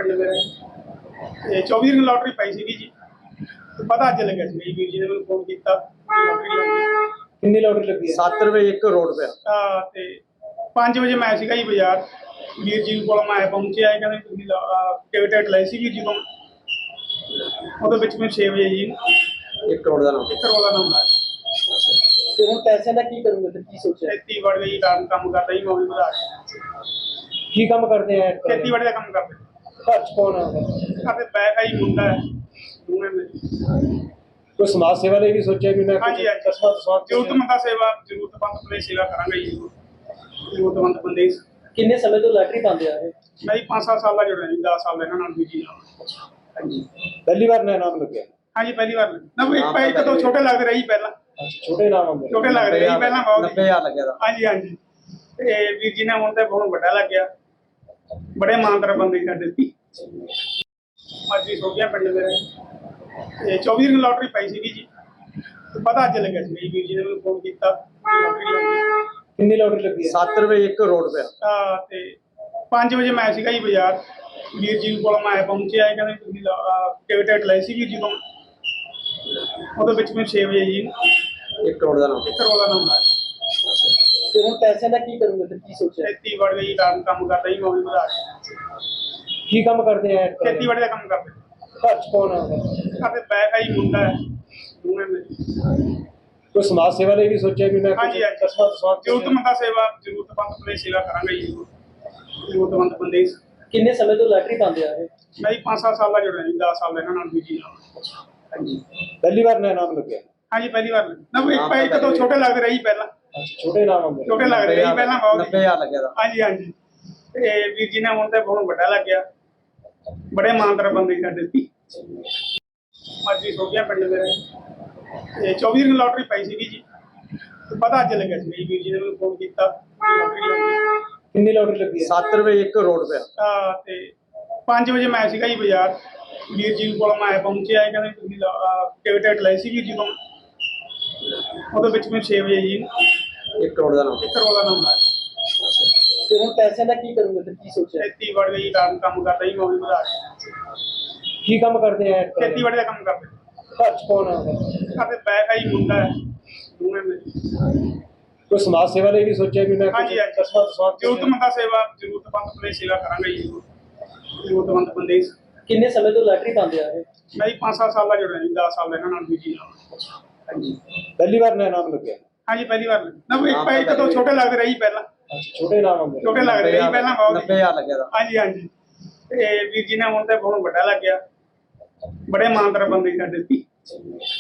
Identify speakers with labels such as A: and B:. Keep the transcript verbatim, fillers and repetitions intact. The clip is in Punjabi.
A: ਪਿੰਡ ਮੇਰੇ ਤੇ ਚੌਵੀ ਦੀ ਲੋਟਰੀ ਪਾਈ ਸੀਗੀ ਜੀ। ਤੇ ਪਤਾ ਅੱਜ ਲੱਗਿਆ ਸੀ ਜੀ, ਵੀਰ ਜੀ ਨੇ ਮੈਨੂੰ ਫੋਨ ਕੀਤਾ ਲੋਟਰੀ ਲੱਗੀ।
B: ਕਿੰਨੀ ਲੋਟਰੀ ਲੱਗੀ ਹੈ?
C: ਸੱਤ ਰੁਪਏ ਇੱਕ ਕਰੋੜ ਰੁਪਇਆ।
A: ਆ ਤੇ ਪੰਜ ਵਜੇ ਮੈਂ ਸੀਗਾ ਜੀ ਬਾਜ਼ਾਰ, ਵੀਰ ਜੀ ਕੋਲ ਮੈਂ ਪਹੁੰਚਿਆ, ਇਹ ਕਹਿੰਦੇ ਤੁਸੀਂ ਟਿਕਟ ਟਿਕਟ ਲਈ ਸੀ ਵੀਰ ਜੀ ਤੋਂ। ਉਹਦੇ ਵਿੱਚ ਮੈਂ ਛੇ ਵਜੇ ਜੀ
C: ਇੱਕ ਕਰੋੜ ਦਾ ਨਾਮ
A: ਇੱਕ ਕਰੋੜ ਦਾ ਨਾਮ ਆਇਆ।
B: ਤੇ ਹੁਣ ਪੈਸਿਆਂ ਦਾ ਕੀ ਕਰੋਗੇ ਤੇ ਕੀ ਸੋਚਿਆ?
A: ਖੇਤੀਬਾੜੀ ਦਾ ਜੀ ਕੰਮ ਕੰਮ ਕਰਦਾ ਜੀ, ਮੌਲੀ ਵਧਾ ਕੇ
B: ਕੀ ਕੰਮ ਕਰਦੇ ਆ?
A: ਖੇਤੀਬਾੜੀ ਦਾ ਕੰਮ ਕਰਦੇ।
B: ਘਰ ਚ ਕੌਣ ਆਉਂਦਾ?
A: ਸਾਡੇ ਬੈਕ ਆਈ ਮੁੰਡਾ ਹੈ ਦੋਵੇਂ ਮੇਰੇ।
B: ਕੋਈ ਸਮਾਜ ਸੇਵਾ ਲਈ ਵੀ ਸੋਚਿਆ ਵੀ ਮੈਂ
A: ਹਾਂਜੀ ਹਾਂਜੀ
B: ਕਸਬਾ ਦਸਵਾਂ
A: ਜ਼ਰੂਰਤਮੰਦ ਦਾ ਸੇਵਾ ਜ਼ਰੂਰਤਮੰਦ ਬੰਦੇ ਦੀ ਸੇਵਾ ਕਰਾਂਗੇ ਜੀ। ਜ਼ਰੂਰਤਮੰਦ ਬੰਦੇ ਦੀ।
B: ਕਿੰਨੇ ਸਮੇਂ ਤੋਂ ਲੋਟਰੀ ਪਾਉਂਦੇ ਆ ਇਹ?
A: ਮੈਂ ਜੀ ਪੰਜ ਸੱਤ ਸਾਲ ਦਾ ਜੁੜਿਆ ਜੀ, ਦਸ ਸਾਲ ਦਾ ਇਹਨਾਂ ਨਾਲ ਵੀਰ ਜੀ ਨਾਲ। ਹਾਂਜੀ
B: ਪਹਿਲੀ ਵਾਰ ਨਾ ਨਾਮ ਲੱਗਿਆ?
A: ਹਾਂਜੀ ਪਹਿਲੀ ਵਾਰ ਨਾ ਇੱਕ ਪੈ ਇੱਕ ਤੋਂ ਛੋਟੇ ਲੱਗਦੇ ਰਹੀ ਪਹਿਲਾਂ,
B: ਅੱਛਾ, ਛੋਟੇ ਨਾਮ ਆਉਂਦੇ?
A: ਛੋਟੇ ਲੱਗਦੇ ਰਹੀ ਪਹਿਲਾਂ ਬਹੁਤ।
C: ਨੱਬੇ ਹਜ਼ਾਰ ਲੱਗਿਆ ਦਾ।
A: ਹਾਂਜੀ ਹਾਂਜੀ ਤੇ ਵੀਰ ਜੀ ਨੇ ਹੁਣ ਤੇ ਹੁਣ ਵੱਡਾ ਲੱਗ ਗਿਆ। ਬੜੇ ਇਮਾਨਦਾਰ ਬੰਦੇ ਸੀ ਸਾਡੇ ਸੀ। ਮਾਜੀ ਸੋਗਿਆ ਪਿੰਡ ਮੇਰੇ ਤੇ ਚੌਵੀ ਦੀ ਲੋਟਰੀ ਪਾਈ ਸੀਗੀ ਜੀ। ਤੇ ਪਤਾ ਅੱਜ ਲੱਗਿਆ ਸੀ ਜੀ, ਵੀਰ ਜੀ ਨੇ ਮੈਨੂੰ ਫੋਨ ਕੀਤਾ ਲੋਟਰੀ ਲੱਗੀ।
B: ਕਿੰਨੀ ਲੋਟਰੀ ਲੱਗੀ ਹੈ?
C: ਸੱਤ ਰੁਪਏ ਇੱਕ ਕਰੋੜ ਰੁਪਇਆ।
A: ਆ ਤੇ ਪੰਜ ਵਜੇ ਮੈਂ ਸੀਗਾ ਜੀ ਬਾਜ਼ਾਰ, ਵੀਰ ਜੀ ਕੋਲ ਮੈਂ ਪਹੁੰਚਿਆ, ਇਹ ਕਹਿੰਦੇ ਤੁਸੀਂ ਟਿਕਟ ਟਿਕਟ ਲਈ ਸੀ ਵੀਰ ਜੀ ਤੋਂ। ਉਹਦੇ ਵਿੱਚ ਮੈਂ ਛੇ ਵਜੇ ਜੀ
C: ਇੱਕ ਕਰੋੜ ਦਾ ਨਾਮ
A: ਇੱਕ ਕਰੋੜ ਦਾ ਨਾਮ ਆਇਆ।
B: ਤੇ ਹੁਣ ਪੈਸਿਆਂ ਦਾ ਕੀ ਕਰੋਗੇ ਤੇ ਕੀ ਸੋਚਿਆ?
A: ਖੇਤੀਬਾੜੀ ਦਾ ਜੀ ਕੰਮ ਕੰਮ ਕਰਦਾ ਜੀ, ਮੌਲੀ ਵਧਾ ਕੇ
B: ਕੀ ਕੰਮ ਕਰਦੇ ਆ?
A: ਖੇਤੀਬਾੜੀ ਦਾ ਕੰਮ ਕਰਦੇ।
B: ਘਰ ਚ ਕੌਣ ਆਉਂਦਾ?
A: ਸਾਡੇ ਬੈਕ ਆਈ ਮੁੰਡਾ ਹੈ ਦੋਵੇਂ ਮੇਰੇ।
B: ਕੋਈ ਸਮਾਜ ਸੇਵਾ ਲਈ ਵੀ ਸੋਚਿਆ ਵੀ ਮੈਂ
A: ਹਾਂਜੀ ਹਾਂਜੀ
B: ਕਸਬਾ ਦਸਵਾਂ
A: ਜ਼ਰੂਰਤਮੰਦ ਦਾ ਸੇਵਾ ਜ਼ਰੂਰਤਮੰਦ ਬੰਦੇ ਦੀ ਸੇਵਾ ਕਰਾਂਗੇ ਜੀ। ਜ਼ਰੂਰਤਮੰਦ ਬੰਦੇ ਦੀ।
B: ਕਿੰਨੇ ਸਮੇਂ ਤੋਂ ਲੋਟਰੀ ਪਾਉਂਦੇ ਆ ਇਹ?
A: ਮੈਂ ਜੀ ਪੰਜ ਸੱਤ ਸਾਲ ਦਾ ਜੁੜਿਆ ਜੀ, ਦਸ ਸਾਲ ਦਾ ਇਹਨਾਂ ਨਾਲ ਵੀਰ ਜੀ ਨਾਲ। ਹਾਂਜੀ
B: ਪਹਿਲੀ ਵਾਰ ਨਾ ਨਾਮ ਲੱਗਿਆ?
A: ਹਾਂਜੀ ਪਹਿਲੀ ਵਾਰ ਨਾ ਇੱਕ ਪੈ ਇੱਕ ਤੋਂ ਛੋਟੇ ਲੱਗਦੇ ਰਹੀ ਪਹਿਲਾਂ,
B: ਅੱਛਾ, ਛੋਟੇ ਨਾਮ ਆਉਂਦੇ?
A: ਛੋਟੇ ਲੱਗਦੇ ਰਹੀ ਪਹਿਲਾਂ ਬਹੁਤ।
C: ਨੱਬੇ ਹਜ਼ਾਰ ਲੱਗਿਆ ਦਾ।
A: ਹਾਂਜੀ ਹਾਂਜੀ ਤੇ ਵੀਰ ਜੀ ਨੇ ਹੁਣ ਤੇ ਹੁਣ ਵੱਡਾ ਲੱਗ ਗਿਆ। ਬੜੇ ਇਮਾਨਦਾਰ ਬੰਦੇ ਸੀ ਸਾਡੇ ਸੀ। ਮਾਜੀ ਸੋਗਿਆ ਪਿੰਡ ਮੇਰੇ ਤੇ ਚੌਵੀ ਦੀ ਲੋਟਰੀ ਪਾਈ ਸੀਗੀ ਜੀ। ਤੇ ਪਤਾ ਅੱਜ ਲੱਗਿਆ ਸੀ ਜੀ, ਵੀਰ ਜੀ ਨੇ ਮੈਨੂੰ ਫੋਨ ਕੀਤਾ ਲੋਟਰੀ ਲੱਗੀ।
B: ਕਿੰਨੀ ਲੋਟਰੀ ਲੱਗੀ ਹੈ?
C: ਸੱਤ ਰੁਪਏ ਇੱਕ ਕਰੋੜ ਰੁਪਇਆ।
A: ਆ ਤੇ ਪੰਜ ਵਜੇ ਮੈਂ ਸੀਗਾ ਜੀ ਬਾਜ਼ਾਰ, ਵੀਰ ਜੀ ਕੋਲ ਮੈਂ ਪਹੁੰਚਿਆ, ਇਹ ਕਹਿੰਦੇ ਤੁਸੀਂ ਟਿਕਟ ਟਿਕਟ ਲਈ ਸੀ ਵੀਰ ਜੀ ਤੋਂ। ਉਹਦੇ ਵਿੱਚ ਮੈਂ ਛੇ ਵਜੇ ਜੀ
C: ਇੱਕ ਕਰੋੜ ਦਾ ਨਾਮ
A: ਇੱਕ ਕਰੋੜ ਦਾ ਨਾਮ ਆਇਆ।
B: ਤੇ ਹੁਣ ਪੈਸਿਆਂ ਦਾ ਕੀ ਕਰੋਗੇ ਤੇ ਕੀ ਸੋਚਿਆ?
A: ਖੇਤੀਬਾੜੀ ਦਾ ਜੀ ਕੰਮ ਕੰਮ ਕਰਦਾ ਜੀ, ਮੌਲੀ ਵਧਾ ਕੇ
B: ਕੀ ਕੰਮ ਕਰਦੇ ਆ?
A: ਖੇਤੀਬਾੜੀ ਦਾ ਕੰਮ ਕਰਦੇ।
B: ਘਰ ਚ ਕੌਣ ਆਉਂਦਾ?
A: ਸਾਡੇ ਬੈਕ ਆਈ ਮੁੰਡਾ ਹੈ ਦੋਵੇਂ ਮੇਰੇ।
B: ਕੋਈ ਸਮਾਜ ਸੇਵਾ ਲਈ ਵੀ ਸੋਚਿਆ ਵੀ ਮੈਂ
A: ਹਾਂਜੀ ਹਾਂਜੀ
B: ਕਸਬਾ ਦਸਵਾਂ
A: ਜ਼ਰੂਰਤਮੰਦ ਦਾ ਸੇਵਾ ਜ਼ਰੂਰਤਮੰਦ ਬੰਦੇ ਦੀ ਸੇਵਾ ਕਰਾਂਗੇ ਜੀ। ਜ਼ਰੂਰਤਮੰਦ ਬੰਦੇ ਦੀ।
B: ਕਿੰਨੇ ਸਮੇਂ ਤੋਂ ਲੋਟਰੀ ਪਾਉਂਦੇ ਆ ਇਹ?
A: ਮੈਂ ਜੀ ਪੰਜ ਸੱਤ ਸਾਲ ਦਾ ਜੁੜਿਆ ਜੀ, ਦਸ ਸਾਲ ਦਾ ਇਹਨਾਂ ਨਾਲ ਵੀਰ ਜੀ ਨਾਲ। ਹਾਂਜੀ
B: ਪਹਿਲੀ ਵਾਰ ਨਾ ਨਾਮ ਲੱਗਿਆ?
A: ਹਾਂਜੀ ਪਹਿਲੀ ਵਾਰ ਨਾ ਇੱਕ ਪੈ ਇੱਕ ਤੋਂ ਛੋਟੇ ਲੱਗਦੇ ਰਹੀ ਪਹਿਲਾਂ,
B: ਅੱਛਾ, ਛੋਟੇ ਨਾਮ ਆਉਂਦੇ?
A: ਛੋਟੇ ਲੱਗਦੇ ਰਹੀ ਪਹਿਲਾਂ ਬਹੁਤ।
C: ਨੱਬੇ ਹਜ਼ਾਰ ਲੱਗਿਆ ਦਾ।
A: ਹਾਂਜੀ ਹਾਂਜੀ ਤੇ ਵੀਰ ਜੀ ਨੇ ਹੁਣ ਤੇ ਹੁਣ ਵੱਡਾ ਲੱਗ ਗਿਆ। ਬੜੇ ਇਮਾਨਦਾਰ ਬੰਦੇ ਸੀ ਸਾਡੇ ਸੀ।